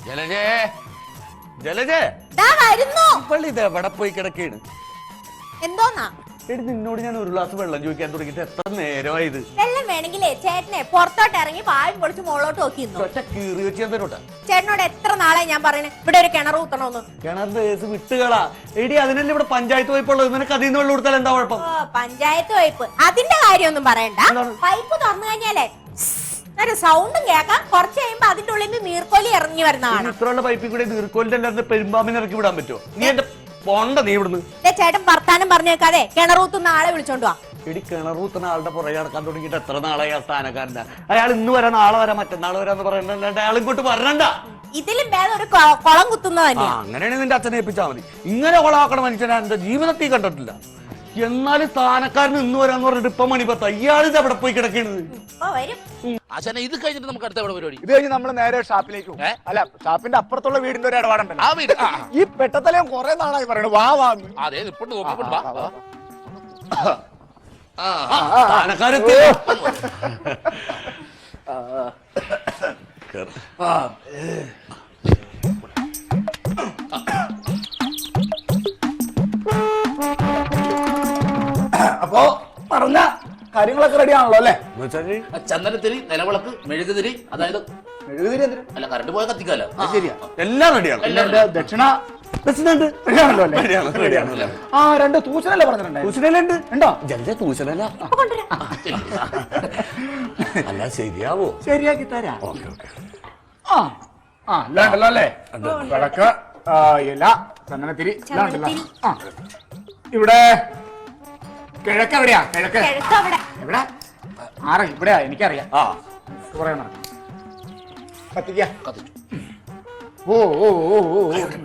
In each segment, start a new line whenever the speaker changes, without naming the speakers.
ജലജേ ജലജേ ഇത് എവിടെ പോയി കിടക്കാണ്?
എന്തോന്നാ
എടി നിന്നോട് ഞാൻ ഒരു ഗ്ലാസ് വെള്ളം ചോദിക്കാൻ തുടങ്ങിട്ട് എത്ര നേരമായത്?
വെള്ളം വേണമെങ്കിലേ ചേട്ടനെ പുറത്തോട്ട് ഇറങ്ങി പായും പൊളിച്ച് മുകളോട്ട് നോക്കിയിരുന്നു.
കീറി വെച്ച് ഞാൻ തരോട്ടെ.
ചേട്ടനോട് എത്ര നാളെ ഞാൻ പറയണേ ഇവിടെ ഒരു കിണർ കുത്തണോന്ന്.
കിണറിന്റെ കേസ് വിട്ടുകളാ. എടി അതിനല്ലേ ഇവിടെ പഞ്ചായത്ത് പൈപ്പുള്ളത്. നിനക്ക് അതിൽ നിന്ന് വെള്ളം കൊടുത്താൽ എന്താ കുഴപ്പം?
പഞ്ചായത്ത് പൈപ്പ് അതിന്റെ കാര്യമൊന്നും പറയണ്ട. പൈപ്പ് തുറന്നു കഴിഞ്ഞാലേ ഒരു സൗണ്ടും കേൾക്കാം. കുറച്ച് കഴിയുമ്പോ അതിന്റെ ഉള്ളിൽ നിന്ന് നീർക്കോലി ഇറങ്ങി വരുന്നതാണ്.
ഇത്രയുള്ള പൈപ്പിൽ കൂടെ നീർക്കോലിന്റെ എല്ലാവരും പെരുമ്പാമ്പിനെ ഇറക്കി വിടാൻ പറ്റുമോ? നീ എന്റെ പോണ്ട നീ ഇവിടുന്ന്.
ചേട്ടൻ വർത്താനം പറഞ്ഞേക്കാതെ കിണറൂത്തുന്ന ആളെ വിളിച്ചോണ്ട് വാ.
എടി കിണറൂത്തുന്ന ആളുടെ പുറകെ നടക്കാൻ തുടങ്ങിയിട്ട് എത്ര നാളായി ആ സ്ഥാനക്കാരനാ. അയാൾ ഇന്ന് വരാം നാളെ വരാം മറ്റന്നാൾ വരാന്ന് പറയണ്ട. അയാൾ ഇങ്ങോട്ട് വരണ്ട.
ഇതിലും ഭേദം ഒരു കുളം കുത്തുന്നത് തന്നെയാ.
അങ്ങനെയാണെങ്കിൽ നിന്റെ അച്ഛനെ ഏൽപ്പിച്ചാൽ മതി. ഇങ്ങനെ കുളമാക്കണ മനുഷ്യനെ എന്റെ ജീവിതത്തിൽ കണ്ടിട്ടില്ല. എന്നാലും സ്ഥാനക്കാരന് ഇന്ന് വരാന്ന് പറഞ്ഞിട്ട് ഇപ്പൊ മണിപ്പത്ത ഇയാളിത് എവിടെ പോയി കിടക്കുന്നത്?
ഇത് കഴിഞ്ഞിട്ട് നമുക്ക് അടുത്ത പരിപാടി.
ഇത് കഴിഞ്ഞ് നമ്മൾ നേരെ ഷാപ്പിലേക്ക് പോകും. അല്ല ഷാപ്പിന്റെ അപ്പുറത്തുള്ള വീടിന്റെ ഒരു ഇടപാടുണ്ടല്ലോ.
ആ വീട്
ഈ പെട്ടത്തലയും കുറെ നാളായി പറയണു വാ വാ.
അതെ ഇപ്പോഴും
സ്ഥാനക്കാരെത്തി.
അപ്പൊ പറഞ്ഞ കാര്യങ്ങളൊക്കെ റെഡി ആണല്ലോ അല്ലേ?
ചന്ദനത്തിരി, നിലവിളക്ക്, മെഴുകുതിരി, അതായത്
മെഴുകുതിരി എന്തിനാ?
അല്ല കറണ്ട് പോയ കത്തിക്കാലോ.
ശരിയാ,
എല്ലാം റെഡിയാണ്.
ദക്ഷിണ റെഡിയാണല്ലോ അല്ലേ? ആ രണ്ട് തൂശനല്ലേ പറഞ്ഞിട്ടുണ്ടായിരുന്നു? ഉണ്ടോ?
ജലജ തൂശനല്ല. അല്ല ശരിയാവോ?
ശരിയാക്കി തരാം. ആ ആ അല്ലാണ്ടല്ലോ അല്ലേ? വിളക്ക്, ഇല, ചന്ദനത്തിരി എല്ലാം ഉണ്ടല്ലോ. ആ ഇവിടെ കിഴക്ക് എവിടെയാ? കിഴക്ക് എവിടെ? ആരാ ഇവിടെയാ? എനിക്കറിയാം. പറയണ കത്തിക്ക. ഓ ഓ ഓ ഓ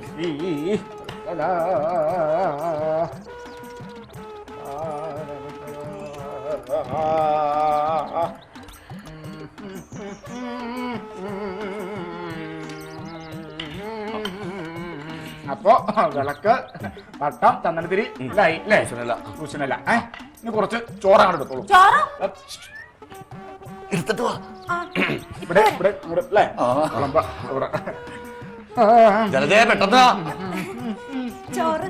അപ്പൊ വിളക്ക്, പട്ടം, ചന്ദനത്തിരി ഇല്ലായി അല്ലേ? കുശനല്ല. ഇനി കുറച്ച് ചോറാണ് എടുത്തോളൂ.
എടുത്തിട്ട് വാ.
ഇവിടെ ഇവിടെ അല്ലേ?
ജലജ പെട്ടെന്ന്
ചോറ്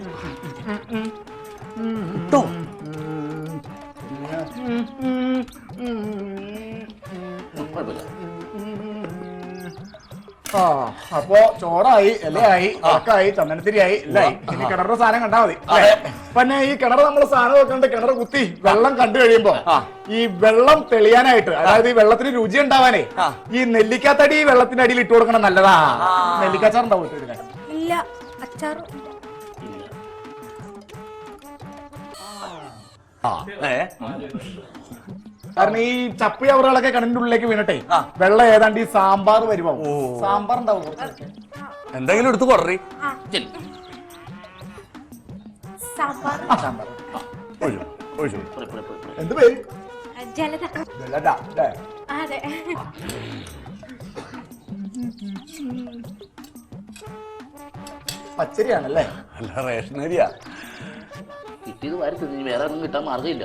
അപ്പൊ ചോറായി, ഇലയായി, ഉറക്കായി, ചന്ദനത്തിരിയായി, ഇല്ലായി. ഇനി കിണറിന്റെ സാധനം കണ്ടാ മതി. പിന്നെ ഈ കിണർ നമ്മള് സാധനം വെക്കണ്ട. കിണർ കുത്തി വെള്ളം കണ്ടു കഴിയുമ്പോ ഈ വെള്ളം തെളിയാനായിട്ട്, അതായത് ഈ വെള്ളത്തിന് രുചി ഉണ്ടാവാനേ ഈ നെല്ലിക്കാത്തടി വെള്ളത്തിന്റെ അടിയിൽ ഇട്ട് കൊടുക്കണം. നല്ലതാ. നെല്ലിക്കാച്ചാർ ഉണ്ടാവും
ഇല്ല, അച്ചാറും
കാരണം ഈ ചപ്പി അവറുകളൊക്കെ കിണറിന്റെ ഉള്ളിലേക്ക് വീണട്ടെ വെള്ളം ഏതാണ്ട് ഈ സാമ്പാർ വരുമ്പോ സാമ്പാർ ഉണ്ടാവും.
എന്തെങ്കിലും എടുത്ത് കൊററി.
എന്ത് പേര്?
ജലജ.
പച്ചരിയാണല്ലേ?
അല്ല റേഷനരിയാ.
കിട്ടിയത് വാരത്ത് വേറെ ഒന്നും കിട്ടാൻ മാർഗമില്ല.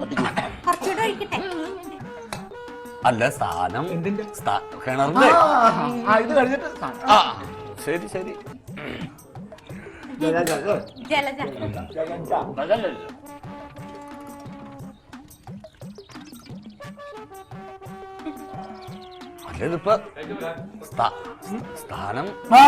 അല്ല സ്ഥാനം കിണറിന്റെ
ഇത് കഴിഞ്ഞിട്ട്
ശരി ശരി. അല്ലിപ്പോ സ്ഥാനം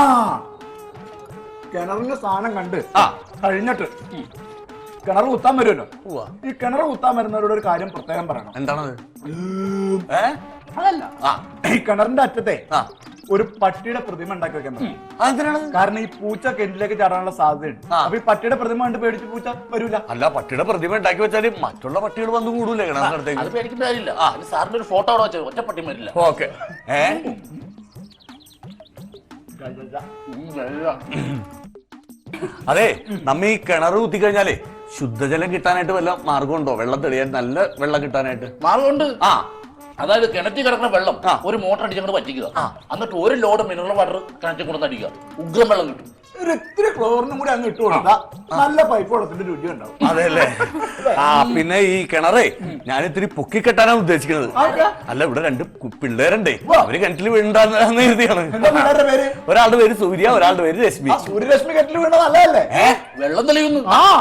കിണറിന്റെ സ്ഥാനം കണ്ട് കഴിഞ്ഞിട്ട് കിണർ കുത്താൻ വരുമല്ലോ. ഈ കിണർ കുത്താൻ വരുന്നവരോട് ഒരു കാര്യം പ്രത്യേകം പറയണം.
എന്താണത്?
അതല്ല, ഈ കിണറിന്റെ അറ്റത്തെ ഒരു പട്ടിയുടെ പ്രതിമ ഉണ്ടാക്കി വെക്കാൻ പറയണം. കാരണം ഈ പൂച്ച കിണറ്റിലേക്ക് ചാടാനുള്ള സാധ്യതയുണ്ട്. അപ്പൊ ഈ പട്ടിയുടെ പ്രതിമ കണ്ട് പേടിച്ച് പൂച്ച വരൂല.
അല്ല പട്ടിയുടെ പ്രതിമ ഉണ്ടാക്കി വെച്ചാല് മറ്റുള്ള പട്ടികൾ വന്നു കൂടൂലേ കിണറിനടുത്തേക്ക്?
അത് പേടിക്കേണ്ട കാര്യമില്ല. സാറിന്റെ ഒരു ഫോട്ടോ അവിടെ വെച്ചാൽ ഒറ്റ പട്ടി വരില്ല.
ഓക്കെ. അതെ, നമ്മ ഈ കിണർ കുത്തി കഴിഞ്ഞാലേ ശുദ്ധജലം കിട്ടാനായിട്ട് വല്ല മാർഗമുണ്ടോ? വെള്ളം തെളിയാൻ, നല്ല വെള്ളം കിട്ടാനായിട്ട്
മാർഗമുണ്ട്. അതായത് കിണറ്റിൽ കിടക്കുന്ന വെള്ളം ഒരു മോട്ടർ അടിച്ചങ്ങോട്ട് പറ്റിക്കുക. എന്നിട്ട് ഒരു ലോഡ് മിനറൽ വാട്ടർ കിണറ്റിൽ കൊണ്ടുവന്ന് അടിക്കുക. ഉഗ്രം വെള്ളം കിട്ടും.
ഇത്തിരി ക്ലോറിനും കൂടി അങ്ങ് ഇട്ട് കൊടുത്താ നല്ല പൈപ്പ് വെള്ളത്തിന്റെ രുചി ഉണ്ടാവും.
അതെല്ലേ? ആ പിന്നെ ഈ കിണറേ ഞാൻ ഇത്തിരി പൊക്കി കെട്ടാനാണ് ഉദ്ദേശിക്കുന്നത്. അല്ല ഇവിടെ 2 പിള്ളേരുണ്ടേ, അവര് കിണറ്റിൽ വീണ്ടാന്ന് എഴുതിയാണ്.
എന്താ പിള്ളേരുടെ പേര്?
ഒരാളുടെ പേര് സൂര്യ, ഒരാളുടെ പേര് രശ്മി.
സൂര്യരശ്മി കെറ്റിൽ വീണ നല്ലതല്ലേ?
വെള്ളം തെളിയുന്നു.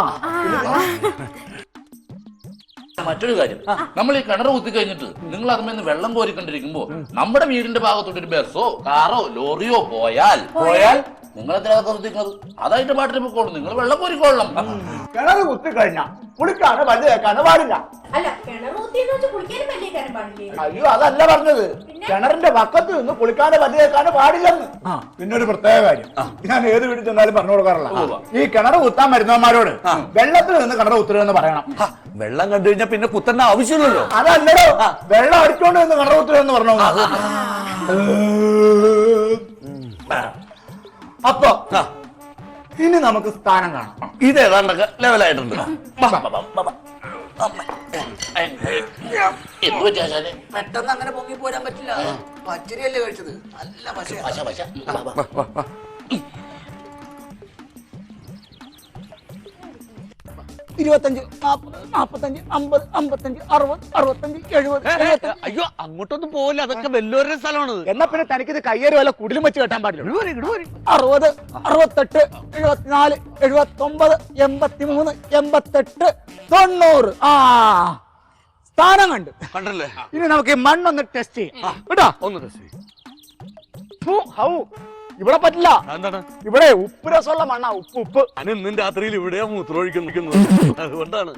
മറ്റൊരു കാര്യം, നമ്മൾ ഈ കിണർ കുത്തി കഴിഞ്ഞിട്ട് നിങ്ങൾ അതിൽ വെള്ളം കോരിക്കൊണ്ടിരിക്കുമ്പോ നമ്മുടെ വീടിന്റെ ഭാഗത്തോട്ട് ഒരു ബസ്സോ കാറോ ലോറിയോ പോയാൽ നിങ്ങൾ എത്ര കുത്തിക്കുന്നത് അതായിട്ട് പാട്ടിന് പോയിക്കോളും. നിങ്ങൾ വെള്ളം കോരിക്കൊള്ളണം.
കിണർ കുത്തി കഴിഞ്ഞാ കുളിക്കാനോ പല്ല് തേക്കാനോ പാടില്ല.
അല്ല കിണർ കുത്തിയെന്ന് വെച്ച് കുളിക്കാനും പല്ല് തേക്കാനും പാടില്ലേ?
അയ്യോ അതല്ല പറഞ്ഞത്, കിണറിന്റെ പക്കത്ത് നിന്ന് കുളിക്കാനോ പല്ല് തേക്കാനോ പാടില്ലെന്ന്. പിന്നെ ഒരു പ്രത്യേക കാര്യം ഞാൻ ഏത് വീട്ടിൽ ചെന്നാലും പറഞ്ഞു കൊടുക്കാറില്ല, ഈ കിണർ കുത്താൻ വരുന്നവന്മാരോട് വെള്ളത്തിൽ നിന്ന് കിണർ കുത്തരുതെന്ന് പറയണം.
വെള്ളം കണ്ടു കഴിഞ്ഞാൽ പിന്നെ കുത്തേണ്ട ആവശ്യമില്ലല്ലോ.
അതല്ലടോ, വെള്ളം അടിച്ചോണ്ട് നിന്ന് കിണർ കുത്തരുതെന്ന് പറഞ്ഞു. അപ്പൊ ഇനി നമുക്ക് സ്ഥാനം കാണാം.
ഇത് ഏതാണ്ടൊക്കെ ലെവലായിട്ടുണ്ട്.
എന്ത് പറ്റാശാലെ?
പെട്ടെന്ന് അങ്ങനെ പൊങ്ങി പോരാൻ പറ്റില്ല. പച്ചരിയല്ലേ കഴിച്ചത്, നല്ല പശ.
25, 40, 45, 50, 55, 60, 65, 70.
അയ്യോ അങ്ങോട്ടൊന്നും പോവില്ല, അതൊക്കെ വല്ലോരുടെ സ്ഥലമാണ്.
എന്നാ പിന്നെ തനിക്കിത് കയ്യേറി വല്ല കുടിലും വെച്ച് കെട്ടാൻ പാടില്ല. 60, 68, 74, 79, 83, 88, 90. ആ സ്ഥാനം
കണ്ടല്ലേ?
ഇനി നമുക്ക് ഈ മണ്ണൊന്ന് ടെസ്റ്റ് ചെയ്യാം കേട്ടോ.
ഒന്ന് ടെസ്റ്റ് ചെയ്യ്.
ഇവിടെ പറ്റില്ല.
എന്താണ്?
ഇവിടെ ഉപ്പ് രസമുള്ള മണ്ണാ. ഉപ്പ്
ഞാൻ ഇന്നും രാത്രിയിൽ ഇവിടെയാ മൂത്രമൊഴിക്കുന്നത്, അതുകൊണ്ടാണ്.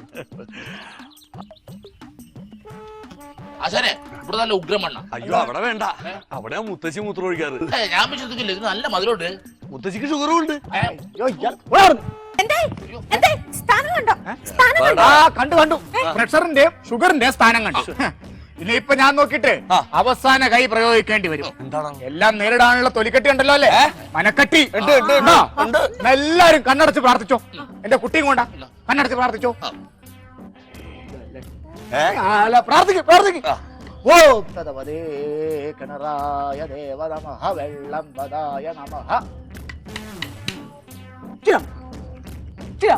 ആശാനെ ഇവിടെ നല്ല ഉഗ്രമണ്ണ.
അയ്യോ അവിടെ വേണ്ട, അവിടെ മുത്തശ്ശി മൂത്രമൊഴിക്കാറ്.
ഞാൻ വിശ്വസിക്കില്ല, ഇത് നല്ല മധുരമുണ്ട്.
മുത്തശ്ശിക്ക് ഷുഗറും ഉണ്ട്.
സ്ഥാനം കണ്ടോ? സ്ഥാനം
കണ്ടു. പ്രഷറിന്റെയും ഷുഗറിന്റെയും സ്ഥാനം കണ്ടു. ഇനിയിപ്പൊ ഞാൻ നോക്കിട്ട് അവസാന കൈ പ്രയോഗിക്കേണ്ടി വരും.
എന്താണ്?
എല്ലാം നേരിടാനുള്ള തൊലിക്കെട്ടി ഉണ്ടല്ലോ അല്ലേ? മനക്കട്ടി. എല്ലാരും കണ്ണടച്ച് പ്രാർത്ഥിച്ചോ. എന്റെ കുട്ടിയും കൊണ്ടാ കണ്ണടച്ച് പ്രാർത്ഥിച്ചോ. പ്രാർത്ഥിക്കും. ഓ തദവദേ കിണറായ ദേവ നമഃ വെള്ളം വദായ നമഃ. ചിരം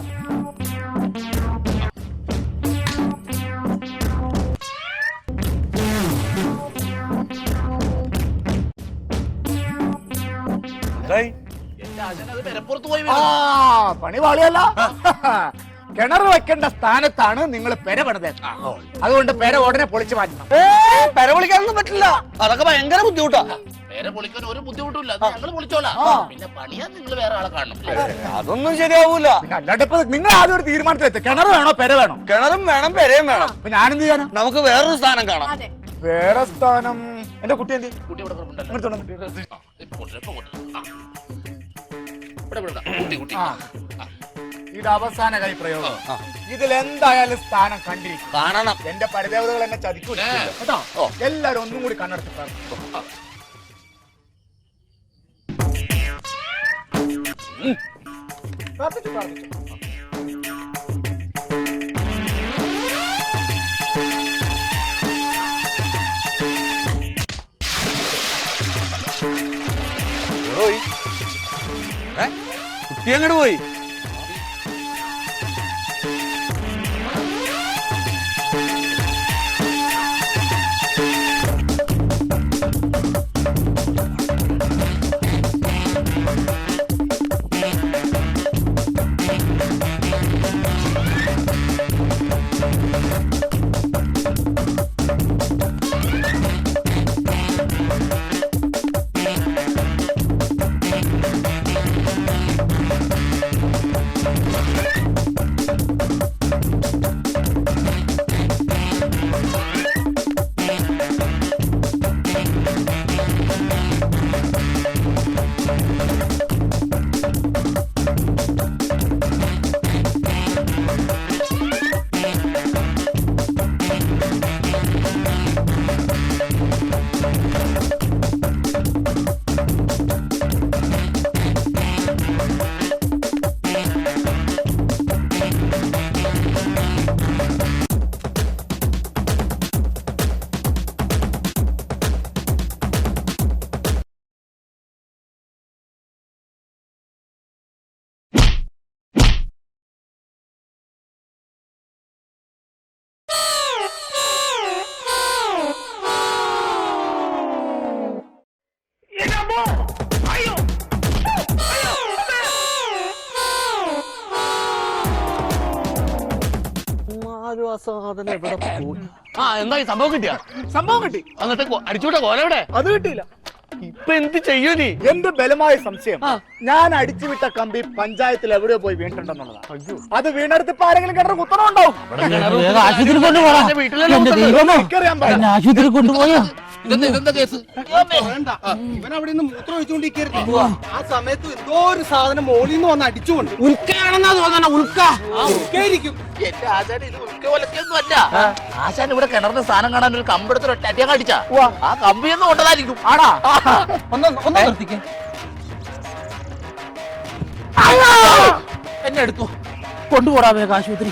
എന്റെ ആശാനെ അത് പെരപ്പുറത്ത് പോയി
പണി പാളിയല്ല. കിണർ വെക്കേണ്ട സ്ഥാനത്താണ് നിങ്ങൾ പെര പണിത്. അതുകൊണ്ട് പെര ഉടനെ പൊളിച്ചു മാറ്റണം.
പെര വിളിക്കാനൊന്നും പറ്റില്ല, അതൊക്കെ ഭയങ്കര ബുദ്ധിമുട്ടാ.
പേരെ പൊളിക്കാൻ ഒരു ബുദ്ധിമുട്ടില്ല, ഞങ്ങൾ പൊളിച്ചോളാം. പിന്നെ പണിയാൻ നിങ്ങൾ വേറെ ആളെ കാണണം.
അതൊന്നും ശരിയാവൂല.
പിന്നെ അല്ലാണ്ട് ഇപ്പൊ നിങ്ങൾ ആദ്യം ഒരു തീരുമാനത്തിലെത്തി, കിണർ വേണോ പെര വേണോ?
കിണറും വേണം പെരയും വേണം.
അപ്പൊ ഞാനെന്ത് ചെയ്യാനാ?
നമുക്ക് വേറൊരു സ്ഥാനം കാണാം.
വേറെ സ്ഥാനം എന്റെ കുട്ടി എന്ത്
കുട്ടി ഇവിടെ കുട്ടി
ഇത് അവസാന കൈ പ്രയോഗം. ഇതിൽ എന്തായാലും സ്ഥാനം കണ്ടിരിക്കും.
കാണണം.
എന്റെ പരിദേവതകൾ എന്നെ ചതിക്കൂല കേട്ടോ. എല്ലാരും ഒന്നും കൂടി കണ്ണടച്ച് പ്രാർത്ഥിക്കും. പ്രാർത്ഥിച്ചു.
കുട്ടി അങ്ങോട്ട് പോയി. സാധനം എവിടെ പോയി? ആ എന്തായി സംഭവം കിട്ടിയ?
സംഭവം കിട്ടി.
എന്നിട്ട് അടിച്ചുവിട്ട കോല എവിടെ?
അത് കിട്ടിയില്ല.
ഇപ്പൊ എന്ത് ചെയ്യൂ നീ?
എന്റെ ബലമായ സംശയം ഞാൻ അടിച്ചുവിട്ട കമ്പി പഞ്ചായത്തിൽ എവിടെയോ പോയി വീണിട്ടുണ്ടെന്നുള്ളതാണ്. അത് വീണെടുത്ത് ഇപ്പൊ ആരെങ്കിലും കിണർ കുത്തണമുണ്ടാവും.
ആശുപത്രി കൊണ്ടുപോകാം.
എനിക്കറിയാൻ പാടില്ല.
ആശുപത്രി കൊണ്ടുപോയോ?
ഇതെന്താ കേസ്?
ഇവൻ അവിടെ നിന്ന് മൂത്രം ഒഴിച്ചുകൊണ്ടിരിക്കരുത്. ആ സമയത്ത് എന്തോ ഒരു സാധനം മോളിൽ നിന്ന് വന്ന് അടിച്ചുകൊണ്ട്
ഉൽക്കയാണെന്നാ തോന്നണ. ഉൽക്ക
ഉൾക്കായിരിക്കും.
എന്റെ ആശാൻ ഇത് ഉൾക്ക പോലൊക്കെയൊന്നും അല്ല. ആശാൻ ഇവിടെ കിണറിന് സ്ഥാനം കാണാൻ ഒരു കമ്പെടുത്ത് ഒറ്റ അടിച്ചാ ആ കമ്പിയൊന്നും കൊണ്ടതായിരിക്കും. ആടാ
ഒന്ന് നിർത്തിക്കേ. എന്നെ എടുത്തു കൊണ്ടുപോടാ വേഗം ആശുപത്രി.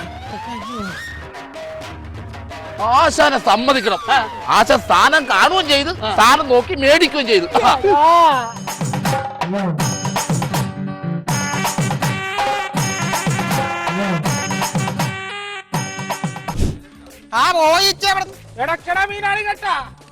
ആശാനെ സമ്മതിക്കണം. ആശാൻ സ്ഥാനം കാണുകയും ചെയ്ത് സ്ഥാനം നോക്കി മേടിക്കുകയും ചെയ്തു.
ആ പോയിച്ചേ
എടക്കട മീനാണ് കേട്ടാ.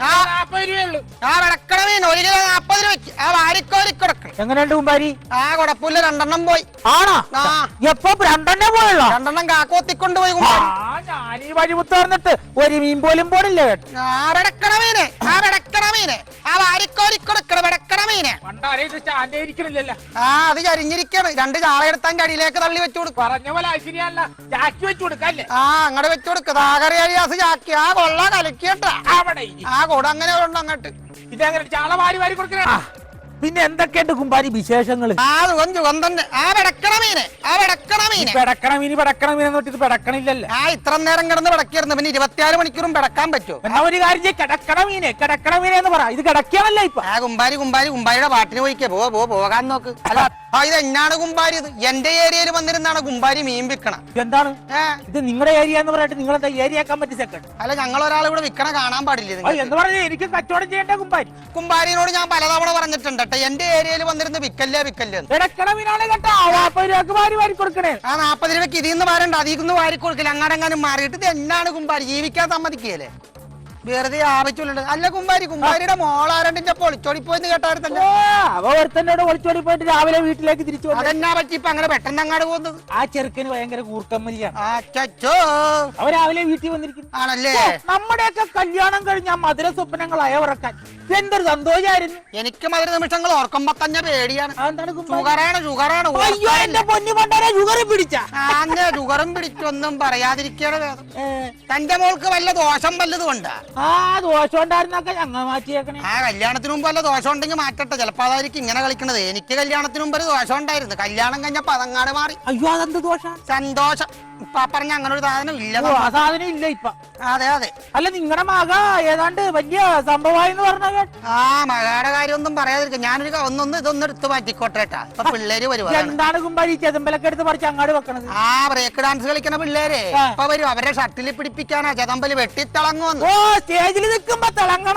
40 രൂപയുള്ളൂ.
ആ വിളക്കണ മീൻ 1 കിലോ 40 രൂപയ്ക്ക്. ആ വാരിക്കോരിക്കൊടുക്കണം.
എങ്ങനെയുണ്ട് കുമ്പാരി?
ആ കുഴപ്പമില്ല. 2 പോയി.
ആണോ?
ആ
എപ്പോ 2 പോയല്ലോ?
2 കാക്കോത്തിക്കൊണ്ട് പോയി.
ഞാനീ വഴിമുത്ത് പറഞ്ഞിട്ട് ഒരു മീൻ പോലും പോണില്ല കേട്ടോ.
ആ വിടക്കണ മീന്. ആ വിടക്കണ മീന്. ആ വാരിക്കോരിക്കൊടുക്കണ വിടക്കണ മീന്.
സ്റ്റാൻഡ് ഇരിക്കണില്ലല്ലോ.
ആ അത് ചരിഞ്ഞിരിക്കാണ്. 2 ചാളയെടുത്താൻ അടിയിലേക്ക് തള്ളി വെച്ചു കൊടുക്കും.
പറഞ്ഞ പോലെ ശരിയല്ല. ചാക്കി വെച്ചു കൊടുക്കല്ലേ?
ആ അങ്ങോട്ട് വെച്ചു കൊടുക്കുക. താകറിയാസ് ചാക്കി. ആ കൊള്ള കലക്കിയട്ടാ.
അവിടെ
ആ കൂടെ അങ്ങനെ ഉണ്ട് അങ്ങോട്ട്.
ഇതങ്ങനെ ചാള വാരി വാരി കൊടുക്കണ. പിന്നെ എന്തൊക്കെയുണ്ട് കുമ്പാരി വിശേഷങ്ങള്?
ആ സുഖം തന്നെ. ആ വിടക്കണ മീന്. ആ വിടക്കണ മീന്.
പെടക്കണ മീനെന്ന് പറഞ്ഞിട്ട് പെടക്കണില്ലല്ലോ.
ആ ഇത്ര നേരം കിടന്ന് പിടക്കായിരുന്നു. പിന്നെ 24 മണിക്കൂറും പിടക്കാൻ പറ്റുമോ?
എന്നാ ഒരു കാര്യം ചെയ്യ്. കിടക്കണ മീനെ എന്ന് പറ. ഇത് കിടക്കാനല്ല ഇപ്പൊ.
ആ കുമ്പാരിയുടെ പാട്ടിന് പോയിക്കേ. പോകാൻ നോക്ക്. അല്ല ഇത് എന്നാണ് കുമ്പാരി? ഇത് എന്റെ ഏരിയയിൽ വന്നിരുന്നാണ് കുമ്പാരി മീൻ വിൽക്കണം.
എന്താണ് ഇത് നിങ്ങളുടെ ഏരിയ എന്ന് പറഞ്ഞിട്ട് നിങ്ങളെന്താ ഏരിയ ആക്കാൻ പറ്റി സെക്കൻഡ്?
അല്ല ഞങ്ങൾ ഒരാൾ ഇവിടെ വിൽക്കണ കാണാൻ പാടില്ല.
എന്ന് പറഞ്ഞാൽ എനിക്ക് കച്ചവടം ചെയ്യേണ്ട കുമ്പാരി.
കുമ്പാരിനോട് ഞാൻ പലതവണ പറഞ്ഞിട്ടുണ്ട് എന്റെ ഏരിയയിൽ വന്നിരുന്ന് വിക്കല്ലേ
കിടക്കണ മീനാണ് കേട്ടോ. 40 രൂപക്ക് വാരി വാരി കൊടുക്കണേ.
ആ 40 രൂപയ്ക്ക് ഇതിന്ന് വരണ്ട. അതിന്ന് വാരി കൊടുക്കില്ല. അങ്ങാടെങ്ങാനും മാറിയിട്ട് ഇത് എന്നാണ് കുമ്പാരി? ജീവിക്കാൻ സമ്മതിക്കുകയല്ലേ? വെറുതെ ആവശ്യമുണ്ട്. അല്ല കുമ്പാരിയുടെ മോളാരണ്ടിന്റെ പൊളിച്ചോടിപ്പോയെന്ന് കേട്ടായിരുന്നല്ലോ.
അവ ഒരുത്തന്നോട് ഒളിച്ചോടി പോയിട്ട് രാവിലെ വീട്ടിലേക്ക് തിരിച്ചു വന്നു.
അതെന്നാ പറ്റി ഇപ്പൊ അങ്ങനെ പെട്ടെന്ന് അങ്ങാട് പോകുന്നത്?
ആ ചെറുക്കന് ഭയങ്കര കൂർക്കമ്മലിയാണ്.
അച്ചോ
അവ രാവിലെ വീട്ടിൽ വന്നിരിക്കുന്നു.
ആണല്ലേ?
നമ്മുടെയൊക്കെ കല്യാണം കഴിഞ്ഞ ആ മധുര സ്വപ്നങ്ങൾ അയവിറക്കാൻ എന്തൊരു സന്തോഷമായിരുന്നു.
എനിക്ക് മധുര നിമിഷങ്ങൾ ഓർക്കുമ്പോ തന്നെ പേടിയാണ്.
എന്താണ്
ഷുഗറാണ്.
അയ്യോ എന്റെ പൊന്നു പണ്ടാരെ ഷുഗറും പിടിച്ച.
ഷുഗറും പിടിച്ചൊന്നും പറയാതിരിക്കണ വേദം. തന്റെ മോൾക്ക് വല്ല ദോഷം വല്ലതും ഉണ്ടാ?
ആ ദോഷം ഉണ്ടായിരുന്നൊക്കെ ഞങ്ങൾ മാറ്റിയേക്കണേ.
ആ കല്യാണത്തിന് മുമ്പ് വല്ല ദോഷം ഉണ്ടെങ്കിൽ മാറ്റട്ടെ. ചിലപ്പോ അതായിരിക്കും ഇങ്ങനെ കളിക്കണത്. എനിക്ക് കല്യാണത്തിന് മുമ്പ് ഒരു ദോഷം ഉണ്ടായിരുന്നു. കല്യാണം കഴിഞ്ഞപ്പോ അതങ്ങാട് മാറി.
അയ്യോ അതെന്ത് ദോഷം?
സന്തോഷം. ഇപ്പൊ പറഞ്ഞ അങ്ങനെ ഒരു സാധനം ഇല്ല.
ആ സാധനം ഇല്ല ഇപ്പൊ.
അതെ
അല്ല നിങ്ങളുടെ മക ഏതാണ്ട് വലിയ സംഭവമായെന്ന് പറഞ്ഞ കേട്ടോ.
ആ മകളുടെ കാര്യമൊന്നും പറയാതിരിക്കും. ഞാനൊരു ഇതൊന്നും എടുത്ത് മാറ്റിക്കോട്ടെട്ടാ. ഇപ്പൊ പിള്ളേര് വരുവാ.
എന്താണ് കുമ്പാരി ചെതമ്പലൊക്കെ എടുത്ത് പറിച്ച് അങ്ങാട് വെക്കണത്?
ആ ബ്രേക്ക് ഡാൻസ് കളിക്കണ പിള്ളേരെ ഇപ്പൊ വരും. അവരെ ഷട്ടിൽ പിടിപ്പിക്കാനാ ചെതമ്പല് വെട്ടിത്തിളങ്ങുമെന്ന്.
ഓ സ്റ്റേജിൽ നിൽക്കുമ്പോ തിളങ്ങണ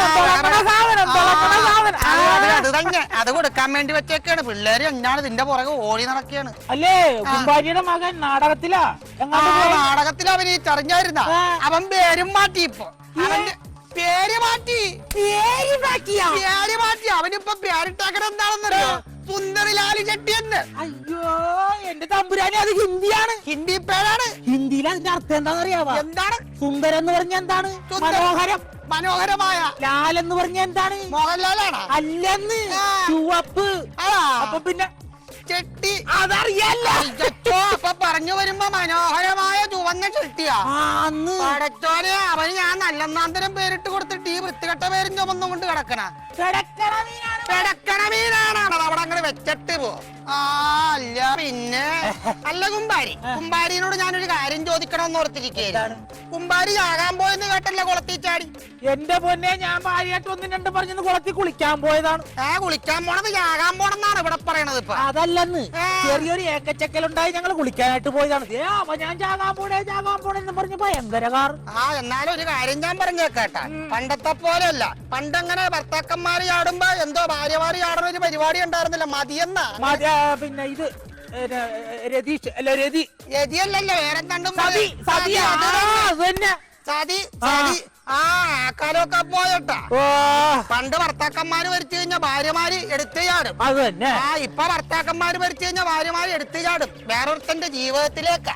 സാധനം.
അത് തന്നെ. അത് കൊടുക്കാൻ വേണ്ടി വെച്ചേക്കാണ്. പിള്ളേര് എന്നാണ് ഇതിന്റെ പുറകെ ഓടി നടക്കുകയാണ്.
അല്ലേ കുമ്പാരിയുടെ മകൻ നാടകത്തിലാ.
നാടകത്തിൽ അഭിനയിച്ചറിഞ്ഞായിരുന്ന അവൻ പേരും മാറ്റി. ഇപ്പൊ അവന്റെ പേര് മാറ്റി. അവനിപ്പോ പേരിട്ടാക്കണ എന്താണെന്നറിയോ? സുന്ദരിലാലി ചെട്ടി എന്ന്.
അയ്യോ എന്റെ തമ്പുരാനെ അത് ഹിന്ദിയാണ്.
ഹിന്ദി പേരാണ്.
ഹിന്ദിയിൽ അതിന്റെ അർത്ഥം എന്താണെന്നറിയാവോ?
എന്താണ്?
സുന്ദരം എന്ന് പറഞ്ഞ എന്താണ്? മനോഹരം.
മനോഹരമായ.
ലാൽ എന്ന് പറഞ്ഞ എന്താണ്?
മോഹൻലാലാണ്.
അല്ലെന്ന് ചുവപ്പ്. അപ്പൊ പിന്നെ
ചെട്ടി.
അതറിയല്ലോ.
അപ്പൊ പറഞ്ഞു വരുമ്പോ മനോഹരമായ ചുവന്ന ചെട്ടിയാ. പടച്ചോനെ അവന് ഞാൻ നല്ലെന്നാന്തരം പേരിട്ട് കൊടുത്തിട്ട് ഈ വൃത്തികെട്ട പേരും ചുമന്നും കൊണ്ട് കിടക്കണ പെടക്കണ മീനാണ്. അവിടെ അങ്ങനെ വെച്ചിട്ട് പോ. അല്ല പിന്നെ അല്ല കുമ്പാരിനോട് ഞാനൊരു കാര്യം ചോദിക്കണമെന്ന് ഓർത്തിരിക്കുകയാണ്. കുമ്പാരി ചാകാൻ പോയെന്ന് കേട്ടല്ലേ കുളത്തിൽ ചാടി?
എന്റെ പൊന്നെ ഞാൻ ഭാര്യയായിട്ട് 1-2 പറഞ്ഞത് കുളത്തിൽ കുളിക്കാൻ പോയതാണ്.
കുളിക്കാൻ പോണത് ചാകാൻ പോണെന്നാണ് ഇവിടെ പറയണത്. ഇപ്പൊ
അതല്ലെന്ന് ചെറിയൊരു ഏക്കച്ചക്കലുണ്ടായി ഞങ്ങൾ കുളിക്കാനായിട്ട് പോയതാണ്. അപ്പൊ ഞാൻ ചാകാൻ പോണെന്ന് പറഞ്ഞ ഭയങ്കര കാർ.
എന്നാലും ഒരു കാര്യം ഞാൻ പറഞ്ഞേക്കേട്ടാ. പണ്ടത്തെ പോലെയല്ല. പണ്ടങ്ങനെ ഭർത്താക്കന്മാര് ചാടുമ്പോ എന്തോ ഭാര്യമാര് ചാടുന്ന ഒരു പരിപാടി ഉണ്ടായിരുന്നില്ല. മതിയെന്നാ.
പിന്നെ ഇത് രതീഷ് അല്ല രതിയല്ലല്ലോ
വേറെ കണ്ടും ആ കാലമൊക്കെ പോയട്ടാ.
ഓ
പണ്ട് ഭർത്താക്കന്മാര് ഭരിച്ചു കഴിഞ്ഞാൽ ഭാര്യമാര് എടുത്തു ചാടും.
അത് തന്നെ.
ആ ഇപ്പൊ ഭർത്താക്കന്മാര് ഭരിച്ചു കഴിഞ്ഞാൽ ഭാര്യമാര് എടുത്തു ചാടും വേറൊരുത്തന്റെ ജീവിതത്തിലേക്ക്.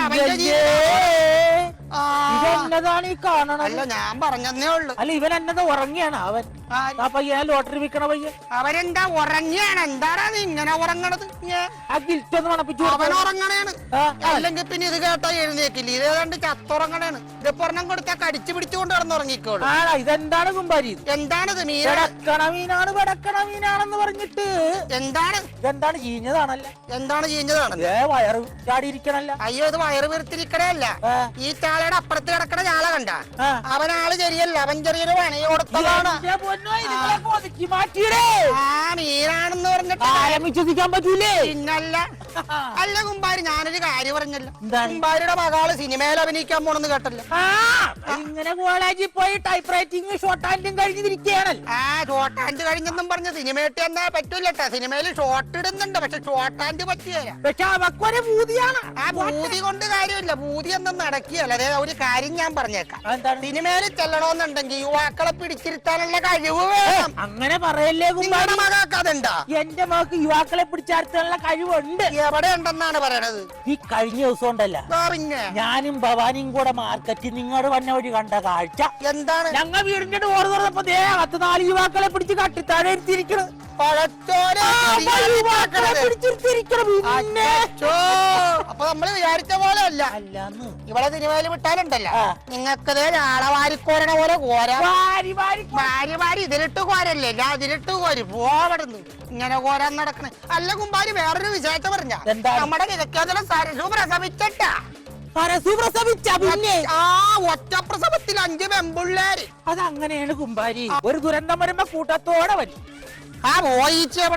ഇതെന്നതാണ് ഈ കാണണത്?
അല്ല ഞാൻ പറഞ്ഞതേ ഉള്ളു.
അല്ല ഇവൻ എന്നതാ ഉറങ്ങിയാണ് അവൻ? ആ പയ്യൻ ലോട്ടറി വിൽക്കണ പയ്യൻ
അവരെന്താ ഉറങ്ങിയാണ്? എന്താടാ നീ ഇങ്ങനെ ഉറങ്ങണത്?
ആ ഗിൽറ്റൊന്ന് മണപ്പിച്ചു
അവൻ ഉറങ്ങണേണ്. അല്ലെങ്കിൽ പിന്നെ ഇത് കേട്ടാ എഴുന്നേക്കില്ല. ഇത് ഏതാണ്ട് ചത്തുറങ്ങണേണ്. ഇത് പൊറണം കൊടുത്താ കടിച്ചു പിടിച്ചുകൊണ്ട് കിടന്നുറങ്ങിക്കോളൂ.
ആണോ? ഇതെന്താണ് കുമ്പാരി?
എന്താണിത്?
വെടക്കണ മീനാണ് വെടക്കണ മീനാണെന്ന് പറഞ്ഞിട്ട്
എന്താണ്?
ഇതെന്താണ് ചീഞ്ഞതാണല്ലേ?
എന്താണ് ചെയ്യുന്നതാണ്?
വയറ് ചാടിയിരിക്കണല്ല.
അയ്യോ ഇത് വയറ് വീർത്തിരിക്കണല്ല. ഈ ചാളയുടെ അപ്പുറത്ത് കിടക്കണ ചാള കണ്ട? അവനാള് ശരിയല്ല. അവൻ ചെറിയൊരു പണി കൊടുത്തതാണ്. ആ മീനാണെന്ന് പറഞ്ഞിട്ട്
വിശ്വസിക്കാൻ പറ്റൂലേ?
പിന്നല്ല. അല്ല കുമ്പാരി ഞാനൊരു കാര്യം പറഞ്ഞല്ലോ. കുമ്പാരിയുടെ മകള് സിനിമയിൽ അഭിനയിക്കാൻ പോണെന്ന് കേട്ടല്ലോ.
ഇങ്ങനെ കോളേജിൽ പോയി ടൈപ്പ് റൈറ്റിംഗ് ഷോർട്ട് ഹാൻഡും കഴിഞ്ഞിരിക്കുകയാണല്ലോ.
ആ ഷോർട്ട് ഹാൻഡ് കഴിഞ്ഞെന്നും പറഞ്ഞ് സിനിമയിട്ട് എന്നാ പറ്റൂലട്ടാ. സിനിമയിൽ ഷോർട്ട് ഇടുന്നുണ്ട്, പക്ഷെ ഷോർട്ട് ഹാൻഡ് പറ്റിയല്ല.
പക്ഷെ അവക്കൊരു ഭൂതിയാണ്.
ആ ഭൂതി കൊണ്ട് കാര്യമില്ല. ഭൂതി ഒന്നും നടക്കിയല്ല. അതെ ഒരു കാര്യം ഞാൻ പറഞ്ഞേക്കാം. സിനിമയിൽ ചെല്ലണമെന്നുണ്ടെങ്കിൽ യുവാക്കളെ പിടിച്ചിരുത്താനുള്ള കഴിവ് വേണം.
അങ്ങനെ പറയല്ലേ
നിങ്ങളുടെ മകൾക്ക് അതുണ്ടാ?
എന്റെ മകൾക്ക് യുവാക്കളെ പിടിച്ചാർത്താനുള്ള കഴിവുണ്ട്.
എവിടെ ഉണ്ടെന്നാണ് പറയണത്?
ഈ കഴിഞ്ഞ ദിവസം ഉണ്ടല്ല,
പിന്നെ
ഞാനും ഭവാനിയും കൂടെ മാർക്കറ്റിൽ നിങ്ങോട് വന്ന വഴി കണ്ട കാഴ്ച
എന്താണ്?
ഞങ്ങൾ വീടിന്റെ ഡോർ തുറന്നപ്പോ 4 യുവാക്കളെ പിടിച്ച് കട്ടിത്താഴെ ഇരുത്തിയിരിക്കണ്.
അപ്പൊ നമ്മള് വിചാരിച്ച പോലെ അല്ല.
അല്ലാന്ന്
ഇവിടെ സിനിമയിൽ വിട്ടാലുണ്ടല്ലോ നിങ്ങൾക്കത് ആളവാരിക്കോരണ പോലെ കോരാ. ഭാര്യ ഭാര്യ ഇതിലിട്ട് കോരല്ലേ? ഞാൻ ഇതിലിട്ട് കോരി പോവടുന്നു ഇങ്ങനെ കോരാൻ നടക്കണേ. അല്ല കുമ്പാരി വേറൊരു വിഷയത്തെ പറഞ്ഞ നമ്മുടെ കിഴക്കേതല സരസു പ്രസവിച്ചട്ടാ.
പിന്നെ
ആ ഒറ്റ പ്രസവത്തിൽ 5 പെമ്പിള്ളേര്.
അതങ്ങനെയാണ് കുമ്പാരി. ഒരു ദുരന്തം വരുമ്പോ കൂട്ടത്തോടെ വരും.
ആ പോയിച്ച് എവിടെ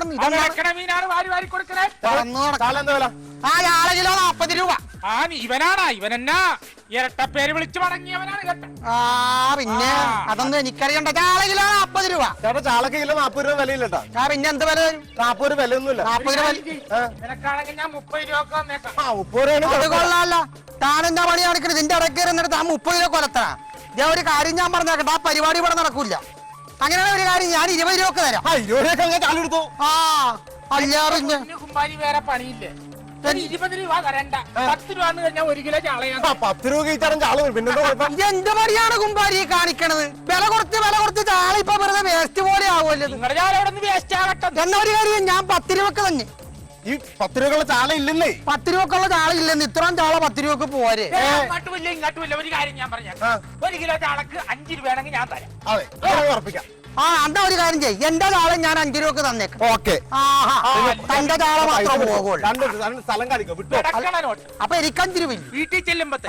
ആ ആളെ കിലോ 40 രൂപ.
ഇവനാണ് ഇവനെന്നാ ഇരട്ടപ്പേര് വിളിച്ചു മടങ്ങിയവനാണ് കേട്ടോ.
ആ പിന്നെ അതൊന്നും എനിക്കറിയണ്ട. ചാള കിലോ 40 രൂപ.
ചേട്ടാ ചാളക്ക് കിലോ 40 രൂപ വിലയില്ലട്ടാ.
ആ പിന്നെ എന്ത് വില വരും?
40 രൂപ വിലയൊന്നുമില്ല.
40 രൂപ
നിനക്കാണെങ്കിൽ ഞാൻ 30 രൂപ വന്നേക്കാം.
30 രൂപ
അത് കൊള്ളാമല്ല. താനെന്താ പണി കാണിക്കണത്? ഇതിന്റെ ഇടയ്ക്ക് എന്നിട്ട് ആ 30 രൂപ കൊലത്തണ. ഞാൻ ഒരു കാര്യം ഞാൻ പറഞ്ഞേക്കട്ടെ, ആ പരിപാടി ഇവിടെ നടക്കൂല. അങ്ങനെയാണ് ഒരു കാര്യം, ഞാൻ 20 രൂപ തരാം.
20 രൂപ ചാലെടുത്തു.
ആ അല്ല പിന്നെ
കുമ്പാരി വേറെ പണിയില്ലേ? 20 രൂപ തരണ്ട. 10 രൂപ കഴിഞ്ഞാൽ 1 കിലോ ചാളയാണ്.
10 രൂപ കഴിച്ചാലും ചാള വരും. പിന്നെ
ഇത് എന്ത് പണിയാണ് കുമ്പാരി കാണിക്കണത്? വില കുറച്ച് ചാള ഇപ്പൊ വെറുതെ വേസ്റ്റ് പോലെ ആവുമല്ലോ.
നിങ്ങളുടെ ചാള അവിടെ നിന്ന് വേസ്റ്റ് ആകട്ടെ.
എന്നാ ഒരു കാര്യം, ഞാൻ 10 രൂപക്ക് തന്നെ.
ഈ 10 രൂപക്കുള്ള ചാള ഇല്ലെന്നേ.
10 രൂപക്കുള്ള ചാള ഇല്ലെന്ന്. ഇത്രയും ചാള 10 രൂപക്ക് പോരെ.
അങ്ങോട്ടുമില്ല ഇങ്ങോട്ടുമില്ല. ഒരു കാര്യം ഞാൻ പറഞ്ഞേക്കാം, 1 കിലോ ചാളക്ക് 5 രൂപയാണെങ്കിൽ ഞാൻ തരാം.
അതെ ഉറപ്പിക്കാം.
ആ എന്താ ഒരു കാര്യം ചെയ്യും, എന്റെ ചാള ഞാൻ 5 രൂപക്ക് തന്നേക്കാം.
ഓക്കെ.
തന്റെ ചാള മാത്രം പോകുള്ളൂ.
സ്ഥലം കാണിക്കോ വിട്ടോ.
നോട്ട്
അപ്പൊ എനിക്ക് 5 രൂപ
വീട്ടിൽ ചെല്ലുമ്പോ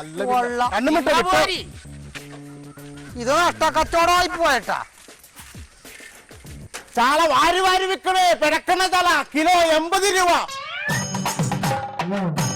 ഇത് നഷ്ടക്കച്ചവടമായി പോയട്ടാ.
ചാള വാരി വിൽക്കണേ. പിടക്കണ ചാള കിലോ 80 രൂപ.